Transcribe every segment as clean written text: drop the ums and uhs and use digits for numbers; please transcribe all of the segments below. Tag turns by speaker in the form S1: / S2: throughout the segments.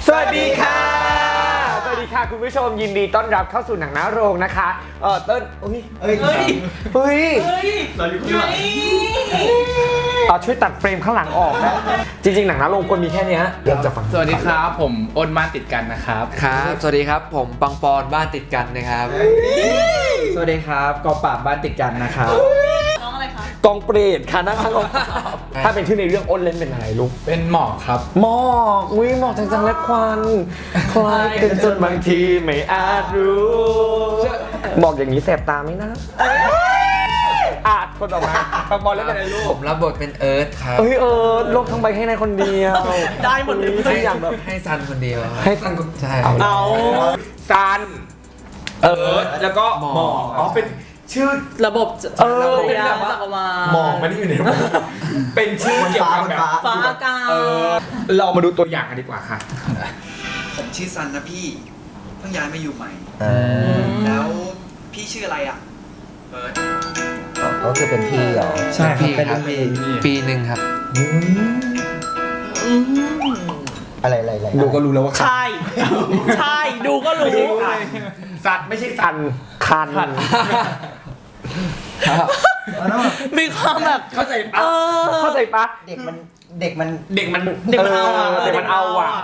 S1: สวัสดีค่ะสวัสดีค่ะคุณผู้ชมยินดีต้อนรับเข้าสู่หนังหน้าโรงนะคะเติ้ลเฮ้ย
S2: เราอยู่ข้างหลัง
S1: ช่วยตัดเฟรมข้างหลังออกนะจริงๆหนังหน้าโรงควรมีแค่นี้เริ่มจากฝั่ง
S2: สวัสดีครับผมอ้นบ้านติดกันนะครับ
S3: ครับสวัสดีครับผมปังปอนบ้านติดกันนะครับสวัสดีครับกอปราบบ้านติดกันนะครับ
S4: น้องอะไรคะ
S1: กองเปรตค่ะนั่งข้างกองถ้าเป็นชื่อในเรื่องอ้นเล่นเป็นอะไรลูก
S2: เป็นหมอกครับ
S1: หมอกหมอกจังๆและควันคล้ายกันจนบางทีไม่อาจรู้บอกอย่างนี้แสบตาไหมนะคนออกมาปังปอนเล่นเป็นอะไรลูก
S3: ผมรับบทเป็นเอิร์ธครับ
S1: โลกทั้งใบให้นายคนเดียว
S4: ได้หมดเลย
S1: ทุกอย่างแบบ
S3: ให้ซันคนเดียวครับ
S1: ให้ซัน
S3: ใช่
S1: เอา
S2: ซันแล้วก็หมอกเป็นชื่อ
S4: ระบบเป็นจักรวาล
S2: หมอกมันอยู่ในระบบเป็นชื่อเกี่ยวกับแบบ
S4: ฟ้าอากาศ
S1: เรามาดูตัวอย่างกันดีกว่าค่ะ
S5: ผมชื่อซันนะพี่เพิ่งย้ายมาอยู่ใหม่แล้วพี่ชื่ออะไรอ่ะเบิร์ด
S6: ก็คือเป็นพี่เหรอ
S3: ใช่ครับ
S6: เป็น
S3: ปีหนึ่งครับ
S6: อะไร
S1: ดูก็รู้แล้วว่า
S4: ใช่ใช่ดูก็รู้
S1: สัตว์ไม่ใช่สันคัน
S4: มีความแบบ
S1: เข้าใจปะเข้าใจปะ
S6: เด็กมัน
S1: เด็กมัน
S4: เด็กมันเอาอ่ะ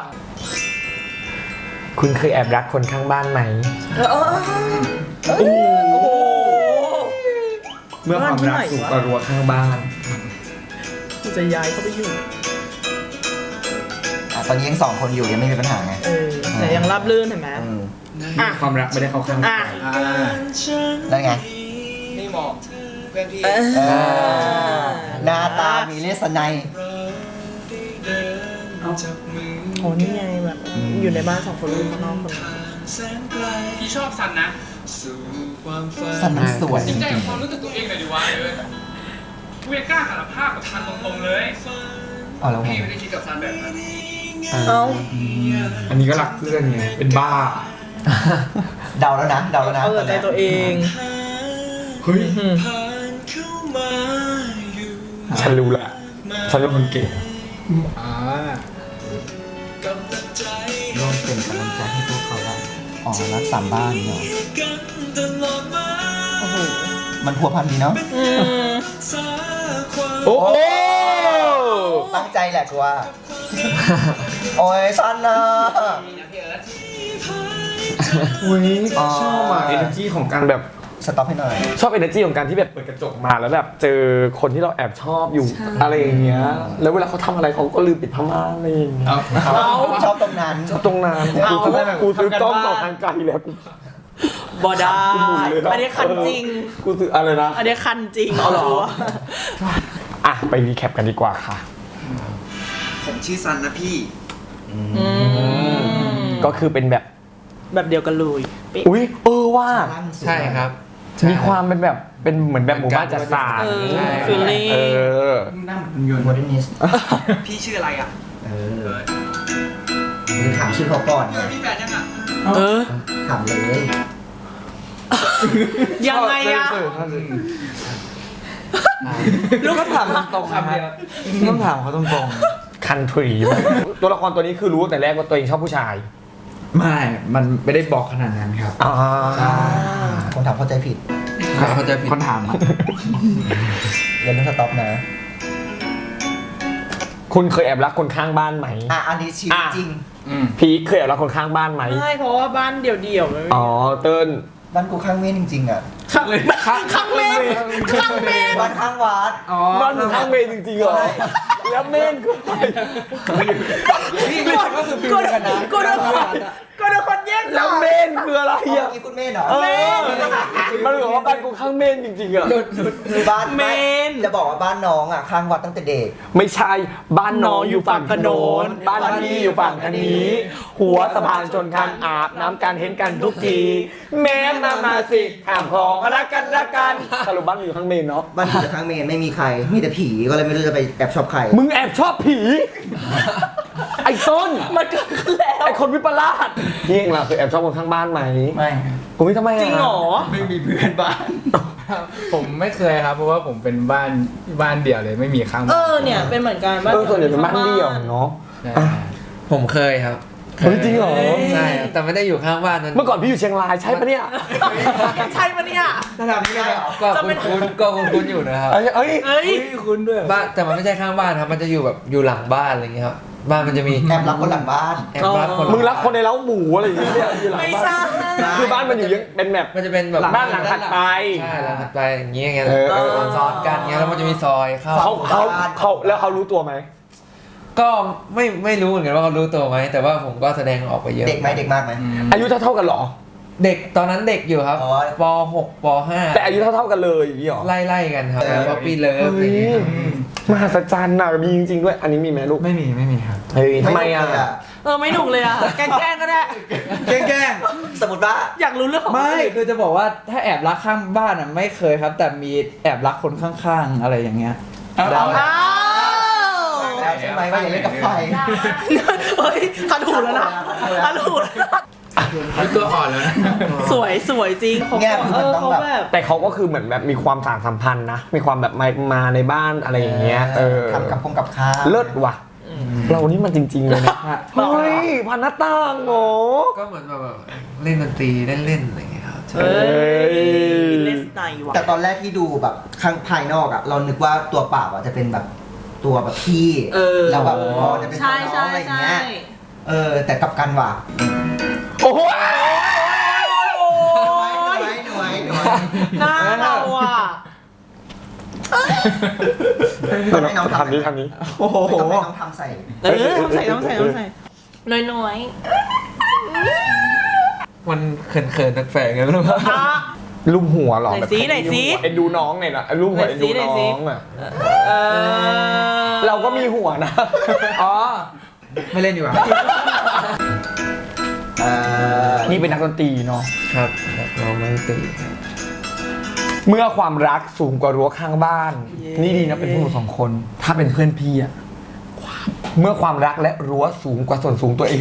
S1: คุณเคยแอบรักคนข้างบ้านไหม
S4: โอ้โห
S1: เมื่อความรักสูงกว่ารั้วข้างบ้าน
S4: กูจะย้ายเข้าไปอยู่
S6: ตอนนี้ยัง2 คนอยู่ยังไม่มีปัญหาไง
S4: แต่ยังราบรื่นเห็นไหม
S1: ความรักไม่ได้เข้าข้าง
S6: นั่นไง
S5: นี่หมอกเพื่อนพี่
S6: หน้าตามีเลสไน
S4: โอ้นี่ไงแบบอยู่ในบ้าน2 คนลูกข้างนอกคน
S2: พี่ชอบซันนะ
S6: สันมันสวยจ
S2: จริงใจ
S6: ริ
S2: กับ
S6: ง
S2: ความรู้สึกตัวเองหน่อยดิวะเวยกล้าสารภาพกับซันตรงๆเลย
S6: ๆอ๋อแล้วไง
S5: พี่ไม่ได้คิดกับซันแบบนั้น
S4: เอ้า
S1: อันนี้ก็รักเพื่อนไงเป็นบ้า
S6: เดาแล้วนะ
S4: เอาแต่ใจตัวเอง
S1: เฮ้ยฉันรู้ละฉันเป็นคนเก่ง
S6: ร่วมเป็นกำลังใจให้พวกเขาได้อ๋อรัก3 บ้านเนาะ
S4: โอ้โห
S6: มันพัวพันดีเนาะ
S1: โอ้โห
S6: ตั้งใจแหละกูว่า โอ้ยซันนะ
S1: อุ้ยชอบอ่ะ energy ของการแบบ
S6: สต็อปให้หน่อย
S1: ชอบ energy ของการที่แบบเปิดกระจกมาแล้วแบบเจอคนที่เราแอบชอบอยู่อะไรอย่างเงี้ยแล้วเวลาเขาทำอะไรเขาก็ลืมปิดผ้าม่านอะไรอย่างเงี้ย
S6: ชอบตรงนั้น
S1: ตรงนั้นกูซื้อกล้องต่อทางไกลแล้วกู
S4: บอดา
S1: หมุนเลยเนอะ
S4: อันนี้คันจริง
S1: กูซื้ออะไรนะ
S4: อันนี้คันจริง
S1: เอาเหรอ ไปรีแคปกันดีกว่าค่ะ
S5: ผมชื่อซันนะพี่
S1: ก็คือเป็นแบบ
S4: แบบเดียวกันเลย
S1: อุ้ยว่า
S3: ใช่ครับ
S1: มีความเป็นแบบเป็นเหมือนแบบหมู่บ้านจัดสรร
S3: ใช่
S4: ฟีลลิ่ง
S5: หน้าเหมือนยนต์
S6: โมเดิร์นิส
S5: พี่ชื่ออะไรอ่ะ
S6: เออ
S5: เบิร์ด
S6: หรือถามชื่อเขาก่อนไง
S5: พี่แฟนยังอ่ะ
S6: ถามเลย
S4: ยังไงอะ ลูกถาม
S3: ตรงๆนะครับต้องถามเขาตรง
S1: คันทรีตัวละครตัวนี้คือรู้แต่แรกว่าตัวเองชอบผู้ชาย
S3: ๆไม่มันไม่ได้บอกขนาดนั้นครับ
S6: ผมถามเข้าใจผิด
S3: เขาจะผิดคนถาม
S6: เรียนเรื่องสต็อปนะ
S1: คุณเคยแอบรักคนข้างบ้านไหม
S6: อันนี้ชีวิตจริง
S1: พีคเคยแอบรักคนข้างบ้านไหม
S4: ไม่เพราะว่าบ้านเดี่ยวๆมันไม่
S1: อ๋อเติ้ล
S6: บ้านกูข้างเมนจริงๆอ่ะ
S4: ข้างเมนข้างเมน
S6: บ้านข้างวัด
S1: บ้านอยู่ข้างเมนจริงๆเหรอแล้วเมนคืออะไร
S6: พี่ไม่คิดว่าคือฟิลกันนะ
S4: กูโดนคนแย่ง
S1: แล้วเมนคืออะไร
S6: เมื่
S1: อ่ะ
S6: อกี้คุณเมนเหรอ
S1: มันบอกว่าบ้านกูข้างเมนจริงๆอ่ะ
S6: คือบ้าน
S4: เมน
S6: จะบอกว่าบ้านน้องอ่ะข้างวัดตั้งแต่เด็ก
S1: ไม่ใช่บ้านน้องอยู่ฝั่งโน้นบ้านพี่อยู่ฝั่งทางนี้ หัวสะพานชนกันอาบน้ำกันเห็นกันทุกทีแม่มาสิถามของรักกันสรุปบ้านอยู่ข้างเมนเนาะ
S6: บ้านอยู่ข้างเมนไม่มีใคร มีแต่ผีก็เลยไม่รู้จะไปแอบชอบใคร
S1: มึงแอบชอบผี ไอ้ต้น
S4: มันเกิดขึ้นแล้ว
S1: ไอ้คนวิปลาสพี่เองล่ะเคยแอบชอบคนข้างบ้านไหม
S3: ไม่
S1: กูไม่ทำไม
S4: จริงเหรอ
S3: ไม่มีเพื่อนบ้าน
S2: ผมไม่เคยครับเพราะว่าผมเป็นบ้านเดี่ยวเลยไม่มีข้างบ้าน
S4: เนี่ยเป็นเหมือนกัน
S1: ส่วนใหญ่เป็นบ้านเดี่ยวเนาะ
S3: ผมเคยครับ
S1: เฮ้ยจริงเหรอ
S3: ใช่แต่ไม่ได้อยู่ข้างบ้านมัน
S1: เมื่อก่อนพี่อยู่เชียงรายใช่ปะเนี่ย
S4: ใช่ปะเนี่ย
S6: ระดับนี้เลยเหรอ
S3: ก็คุ้นๆอยู่นะครับ
S1: เอ้ย
S4: เอ้ย
S6: คุณด้วย
S3: บ้านแต่มันไม่ใช่ข้างบ้านครับมันจะอยู่แบบอยู่หลังบ้านอะไรอย่างเงี้ยครับบ้านมันจะมี
S6: แอบรักคนหลังบ้าน
S3: แอบบ้านคน
S1: มึงรักคนในเล้าหมูอะไรอย่างเงี้ยอยู่หลัง
S4: ไม่
S1: บ้า
S4: ใช่
S1: นคือบ้านมันอยู่ยังเป็นแบบ
S3: มันจะเป็นแบบ
S1: บ้านหลังถัดไป
S3: ใช่หลังถัดไปอย่างเงี้ยไง
S1: เออ
S3: ซ้อนกันเงี้ยแล้วมันจะมีซอยเข้า
S1: เขาแล้วเขารู้ตัวไหม
S3: ก็ไม่รู้เหมือนกันว่าเขารู้ตัวไหมแต่ว่าผมก็แสดงออกไปเยอะ
S6: เด็กไหมเด็กมากไหม
S1: อายุเท่ากันเหรอ
S3: เด็กตอนนั้นเด็กอยู่ครับ
S6: อ๋อ
S3: ป .6 ป
S1: แต่อายุเท่ากันเลยอย่างนี้เหรอ
S3: .5 ไล่ๆกันครับป๊อปปี้เลิฟอะไร
S1: เฮ้
S3: อย่าง
S1: ย
S3: เงี้ยครับ
S1: มหัศจรรย์น่ะมีจริงๆด้วย อันนี้มีไหมลูก
S6: ไม่มีครับ
S1: เฮ้ยทำไมอ่ะ
S4: ไม่หนุกเลยอ่ะ แกล้งก็ได้
S6: แกล้งสมมติว่า
S4: อยากรู้เรื่องของ
S7: ไม่
S4: คนอื่น
S7: คือจะบอกว่าถ้าแอบรักข้างบ้านอ่ะไม่เคยครับ แต่มีแอบรักคนข้างๆอะไรอย่างเงี้ย
S4: อ้าว
S6: แล้วใช่ไหมว่าอย่าเล่นกับไฟ
S4: เฮ้ยทันหูแล้วนะทันหูแล้วนะ
S3: ตัวอ่อนแล้วนะ
S4: สวยจริงเขา
S6: เนี่ยคือมันต้อง
S4: เขา
S6: แบบ
S4: แบบ
S1: แต่เขาก็คือเหมือนแบบมีความสานสัมพันธ์นะ มีความแบบมาในบ้านอะไรอย่างเงี้ย
S6: ทำกับข้าว
S1: เลิศว่ะ เรานี่มันจริงๆเลยนะเฮ้ยพันหน้าต่างโง่
S3: ก็เหมือนแบบเล่นดนตรีเล่นๆอะไรอย่างเงี้ยครับ
S4: เอ้ย
S1: ย
S4: เลสไนว่ะ
S6: แต่ตอนแรกที่ดูแบบข้างภายนอกอ่ะ เรานึกว่าตัวเปล่าอ่ะจะเป็นแบบตัวแบบพี่แล้วแบบพอจะเป็นตัวน้องอะไรอย่างเงี้ยแต่กลับกันว่ะ
S1: โอ้โห
S6: หน่วย
S4: หน้าเราอ่ะ
S6: ต้องให้น้องทำ
S1: ทำนี้
S6: โอ้โหต้องให้น้องทำใส่
S4: ต้องใส่น้อย
S3: มันเขินๆแปลกๆไงไม่รู้ว่า
S1: รูปหัวเหรอ
S4: ไหนสิไหนสิ
S1: เอ็นดูน้องเนี่ยนะรูปหัวเอ็นดูน้องอ่ะ
S4: เออ
S1: เราก็มีหัวนะ
S3: อ๋อ
S7: ไม่เล่นดีกว่า
S1: นี่เป็นนักดนตรีเนาะ
S3: ครับเราไม่ตี
S1: เมื่อความรักสูงกว่ารั้วข้างบ้าน นี่ดีนะเป็นพวกหนูสองคน ถ้าเป็นเพื่อนพี่อะเมื่อความรักและรั้วสูงกว่าส่วนสูงตัวเอง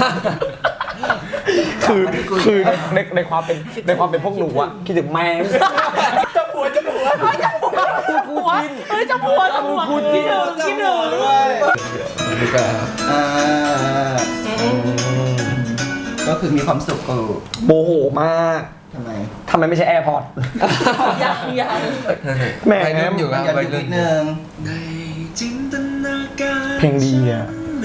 S1: คือในความเป็นพวกหนูอะคิดถึงแม่ง
S4: จะผัวเฮ้ยจะผัวคิดถึง
S3: นี่ก็
S6: ก็คือมีความสุขกู
S1: โมโหมาก ทำไมไม่ใช่แอร์พอร์ต
S4: ยัง
S1: แหม
S3: วัยรุ่นอยู่ครับ
S6: อย่า
S3: วัย
S6: หยุด
S3: รุ่
S6: นิ
S3: น
S6: ดนึง
S1: เพลงดีอะ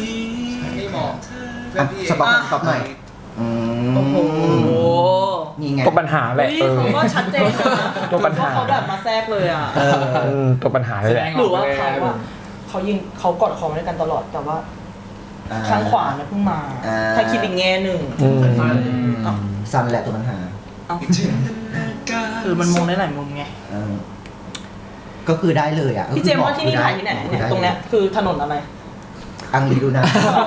S6: สต็อปหน่อย
S4: โอ้โห
S6: นี่ไง
S1: ตัวปัญหาแหละ
S4: เฮ้ยเขาก็ชัดเจนนะ
S1: ตัวปัญหา
S4: เขาแบบมาแทรกเลยอ่ะ
S1: ตัวปัญหาเลยแหละ
S4: หรือว่าเขากอดคอด้วยกันตลอดแต่ว่าข้างขวาเนี่ยเพิ่งมา ถ้าคิดอีกแง่หนึ่ง
S6: ซันแหละตัวปัญหา
S4: คือมันมองได้หลายมุมไง
S6: ก็คือได้เลยอ่ะ
S4: พี่เจมส์ว่าที่นี่ถ่ายที่ไหนเนี่ยตรงเนี้ยคือถนนอะไร
S6: อังรีดูนะ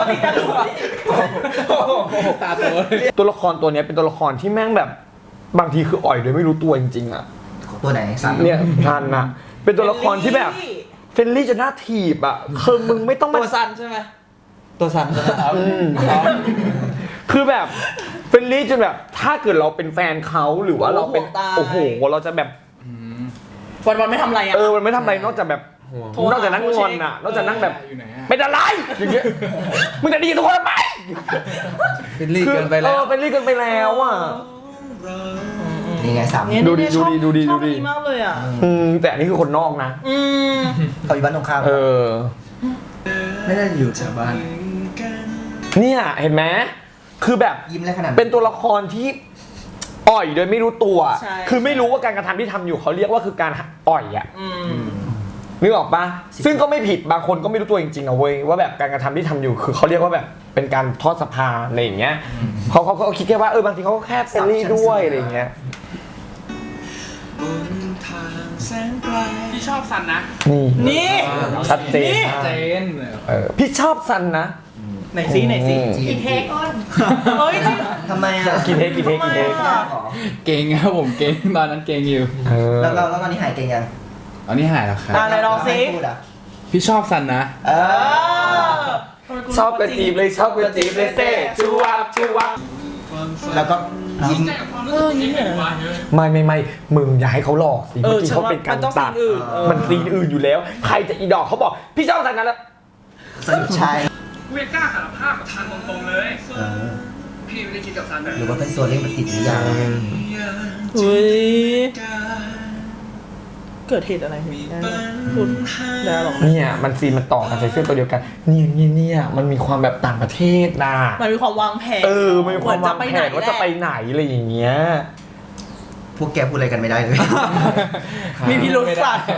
S1: ตัวละครตัวเนี้ยเป็นตัวละครที่แม่งแบบบางทีคืออ่อยโดยไม่รู้ตัวจริงๆอะ
S6: ตัวไหนซัน
S1: เนี่ยทันนะเป็นตัวละครที่แบบเฟรนลี่จนน่าถีบอะคือมึงไม่ต้องมา
S7: ตัวซันใช่ไหมตัวซันใช่ไหมครับ
S1: คือแบบเฟรนลี่จนแบบถ้าเกิดเราเป็นแฟนเขาหรือว่าเราเป็นโอ้โหเราจะแบบ
S4: วันไม่ทำอะไรอ่ะ
S1: มันไม่ทำอะไรนอกจากแบบนอกจากนั่งงอนอะนอกจากนั่งแบบเป็นอะไรอย่างเงี้ยมึงจะดีกับทุกคนทำไม
S3: ฟิลลี่เกินไปแล้ว
S1: เฟรนลี่เกินไปแล้วอะ
S6: นี่ไงสาม
S1: ดูดิ
S4: ชอบ
S1: ดูดิ
S4: ชอบอันนี้มากเลยอ่ะ
S1: แต่อันนี้คือคนนอกนะ
S6: เขาอยู่บ้านตรงข้าม
S7: ไม่ได้อยู่แถวบ้าน
S1: เนี่ยเห็นไหมคือแบบ
S6: ยิ้มอะไรขนาด
S1: เป็นตัวละครที่อ่อยโดยไม่รู้ตัว
S4: ใช่
S1: คือไม่รู้ว่าการกระทำที่ทำอยู่เขาเรียกว่าคือการอ่อยอะนึกออกปะซึ่งก็ไม่ผิดบางคนก็ไม่รู้ตัวจริงๆนะเว้ยว่าแบบการกระทำที่ทำอยู่คือเขาเรียกว่าแบบเป็นการทอดสะพานอะไรอย่างเงี้ยเขาก็คิดแค่ว่าบางทีเขาก็แค่เฟรนลี่ด้วยอะไรอย่างเงี้ย
S2: พี่ชอบซันนะ
S1: นี่ชัดเจนมาก
S7: เจน
S1: พี่ชอบซันนะ
S4: ไหนซิกินเทคก่อนเฮ้ยจริง
S6: ทำไมอ่ะ
S1: กี่เทค
S6: ยากเหรอ
S7: เก่งครับผมเก่งตอนนั้นเก่งอยู่
S6: แล้วตอนนี้หายเก่งยัง
S7: ตอนนี้หายแล้วครับ
S4: ไหนลองซิ
S6: ไม่พูดอ่ะ
S7: พี่ชอบซันนะ
S1: ชอบกระจีบเลยชอบกระจีบเลยเซ่ชูวับชูวับ
S6: แล้วก็ยิ้ม
S1: ไม่มึงอย่าให้เขาหลอกสิเมื่อกี้เขาเป็นการตัดมันซีนอื่นอยู่แล้วใครจะอีดอกเขาบอกพี่ชอบซันนั้นแล้ว
S6: สรุปชาย
S5: กูยังกล้าสารภาพกับทันตรงๆเลย พี่ไม่ได้คิดกับซันแบบ
S6: หรือว่าเป็นโซเล่มันติดหรือยัง
S4: อุ้ยเกิดเหตุอะไรขึ้นได้พูดได้หรอ
S1: เนี่ยมันซีนมันต่อกันใส่เสื้อตัวเดียวกันเนี่ยมันมีความแบบต่างประเทศนะ
S4: มันมีความวางแผน
S1: มันมีความวางแผนว่าจะไปไหนอะไรอย่างเงี้ย
S6: พวกแกพูดอะไรกันไม่ได้เลย
S4: มีพิรุษสัตว์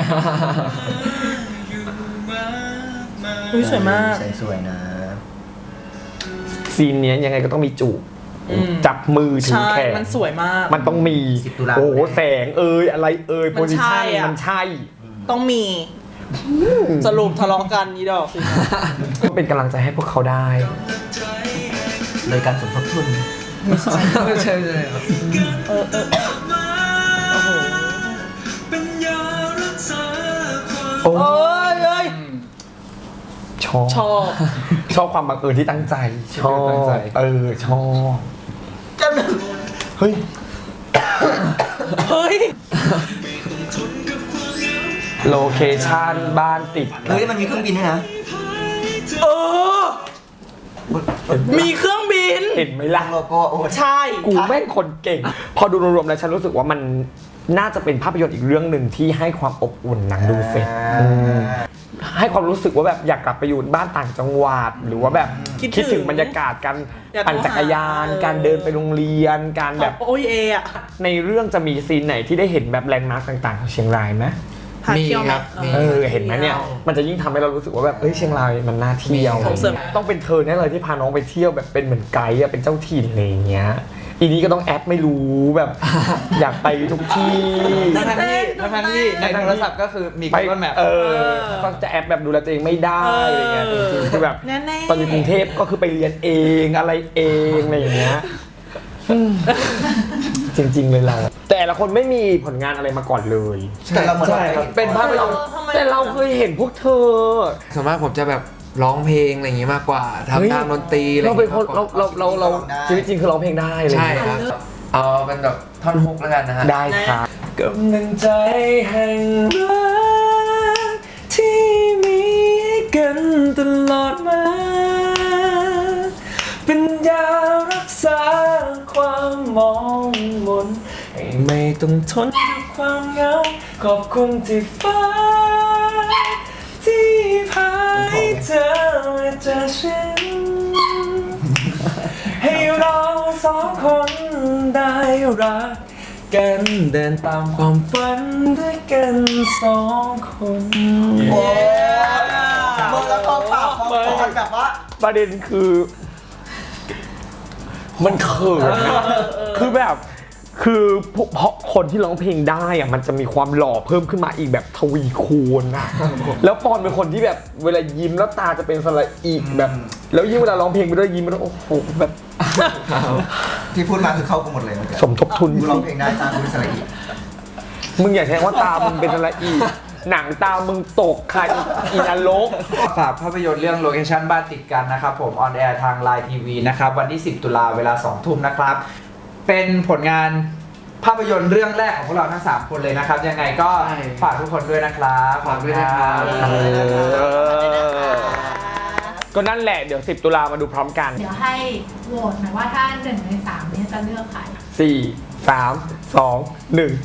S4: อุ้ยสวยมาก
S6: สวยนะ
S1: ซีนเนี้ยยังไงก็ต้องมีจูบ จับมือถือ
S4: ใช่
S1: แขน
S4: มันสวยมาก
S1: มันต้องมี
S6: 10 ตุลา
S1: โอ้โหแสงอะไรโพซิชั่น
S4: อะ
S1: มันใช่
S4: ต้องมี สรุปทะเลาะกันอีดอกสิ
S1: ก็เป็นกำลังใจให้พวกเขาได้
S6: โดยการสมทบทุน
S3: ใช่ครับ
S4: โอ้โห
S1: โอ้
S4: เอ้ย
S1: ชอบ
S4: ชอบ
S1: ชอบความบังเอิญที่ตั้งใจ ชอบ
S3: ตั้งใจ
S1: ชอบเฮ้ย
S4: เฮ้ย
S1: โลเคชั่นบ้านติดกัน
S6: เฮ้ยมันมีเครื่องบินด้วยนะ
S4: เออ มีเครื่องบิน
S1: เห็นไหมล่ะ
S6: โลโก้โอ้
S4: ใช่
S1: กูแม่งคนเก่ง พอดูรวมๆแล้วฉันรู้สึกว่ามันน่าจะเป็นภาพยนตร์อีกเรื่องหนึ่งที่ให้ความอบอุ่นหนังดูเสร็จให้ความรู้สึกว่าแบบอยากกลับไปอยู่บ้านต่างจังหวัดหรือว่าแบบคิดถึงบรรยากาศการปั่นจักรยาน การเดินไปโรงเรียนการแบบ
S4: โอ้ยอะ
S1: ในเรื่องจะมีซีนไหนที่ได้เห็นแบบแลนด์มาร์กต่างๆของเชียงรายไหม
S4: พาเที่ยวไหม
S3: มีครับมี
S1: เห็นไหมเนี่ยมันจะยิ่งทำให้เรารู้สึกว่าแบบเชียงรายมันน่าเที่ยว
S4: ส่งเสริม
S1: ต้องเป็นเธอแน่เลยที่พาน้องไปเที่ยวแบบเป็นเหมือนไกด์เป็นเจ้าถิ่นอะไรอย่างเงี้ยอีนี้ก็ต้องแอปไม่รู้แบบ อยากไปทุกที่
S3: ทั้งที่ในโทรศัพท์ก็คือมี
S1: ไป
S3: Google Map
S1: ก็จะแอปแบบดูแลตัวเองไม่ได้อะไรเงี้ยจริงๆคือแบบ
S4: แน่ๆ
S1: ตอนอยู่กรุงเทพก็คือไปเรียนเองอะไรเองอะไรอย่างเงี้ยจริงๆเลยเราแต่ละคนไม่มีผลงานอะไรมาก่อนเลย
S6: แต่เราเหมือน
S1: ใช่ครับเป็นภาพยนตร์แต่เราเคยเห็นพวกเธอ
S3: ส่วนมากผมจะแบบร้องเพลงอะไรอย่างงี้มากกว่า
S1: เฮ้ย
S3: ทำตามดนตรีอะไรอ
S1: เรา
S3: ย่าง
S1: เป็น
S3: งี้
S1: คน
S3: มากกว่า
S1: เราชีวิตจริงคือร้องเพลงได้เลย
S3: ใช่ครับ เอาเป็นแบบท่อนฮุกแล้วกันนะฮะ
S1: ได้ครับกำลังใจแห่งรักที่มีให้กันตลอดมาเป็นยารักษาความมองมนให้ไม่ต้องทนกับความเหงาขอบคุณที่ฟ้าที่พาให้เธอมาเจอฉันให้เราสองคนได้รักกันเดินตามความฝันด้วยกันสองคน
S6: โอ้มึงแล้วก็ปากมองก่อนแบบว่า
S1: ประเด็นคือ มันเขินนะคือแบบคือเพราะคนที่ร้องเพลงได้อะมันจะมีความหล่อเพิ่มขึ้นมาอีกแบบทวีคูณนะแล้วปอนเป็นคนที่แบบเวลายิ้มแล้วตาจะเป็นสระอีกแบบ แล้วยิ่งเวลาร้องเพลงไปด้วยยิ้มแล้วโอ้โหแบบ
S6: ที่พูดมาคือเข้ากูหมดเลยเมื่อกี้
S1: สมทบทุน
S6: กูร้องเพลงได้ตามกูเป็นสระอี
S1: มึงอย่าใช้ว่าตามึงเป็นสระอีหนังตามึงตกค่ะอีนรก
S7: ฝากภาพยนตร์เรื่องโลเคชั่นบ้านติดกันนะครับผมออนแอร์ทาง Line TV นะครับวันที่ 10 ตุลาเวลา 2 ทุ่มนะครับ เป็นผลงานภาพยนตร์เรื่องแรกของพวกเราทั้ง 3 คนเลยนะครับ ยังไงก็ฝากทุกคนด้วยนะครับ
S3: ฝากด้วยนะครับ
S1: ก็นั่นแหละเดี๋ยว 10 ตุลามาดูพร้อมกัน
S8: เดี๋ยวให้โหวตหน่อยว่าถ้า1 ใน 3เนี่ยจะเลือกใคร
S1: 4 3 2 1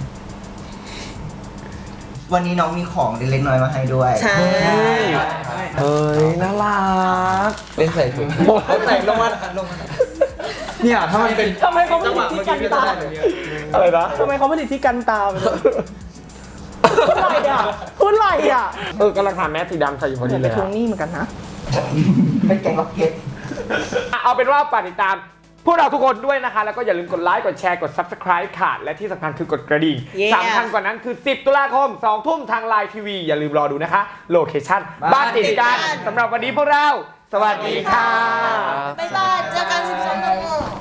S6: วันนี้น้องมีของเล็กๆน้อยๆมาให้ด้วย
S4: ใช่
S1: เฮ้ยน่ารัก
S3: เล่นใส่ถุง
S1: โอ้ยไหนลงมา
S7: เนี่ยถ้ามันเป็น
S4: ทำไมเขาผลิตที่กันตา
S1: อะไรนะ
S4: ทำไมเขาผลิตที่กันตาไปเลยพูดอะไรอ่ะพูดอะไรอ่ะ
S1: กำลังหาแมสสีดำใส่อยู่พอ
S4: เหมื
S1: ดี
S4: อน
S1: เล
S4: ไป
S1: ย
S4: ทวงหนี้เหมือนกันนะ
S6: เป็นแกงล็อกเก็ต
S1: เอาเป็นว่าฝากติดตามพวกเราทุกคนด้วยนะคะ แล้วก็อย่าลืมกดไลค์กดแชร์กด Subscribe ค่ะ และที่สำคัญคือกดกระดิ่ง
S4: Yeah
S1: สำคัญกว่านั้นคือ 10 ตุลาคม 2 ทุ่มทาง Line TV อย่าลืมรอดูนะคะโลเคชั่นบ้านติดกันสำหรับวันนี้พวกเรา สวัสดีค่ะ
S4: บ๊ายบาย เจอกัน12 โมง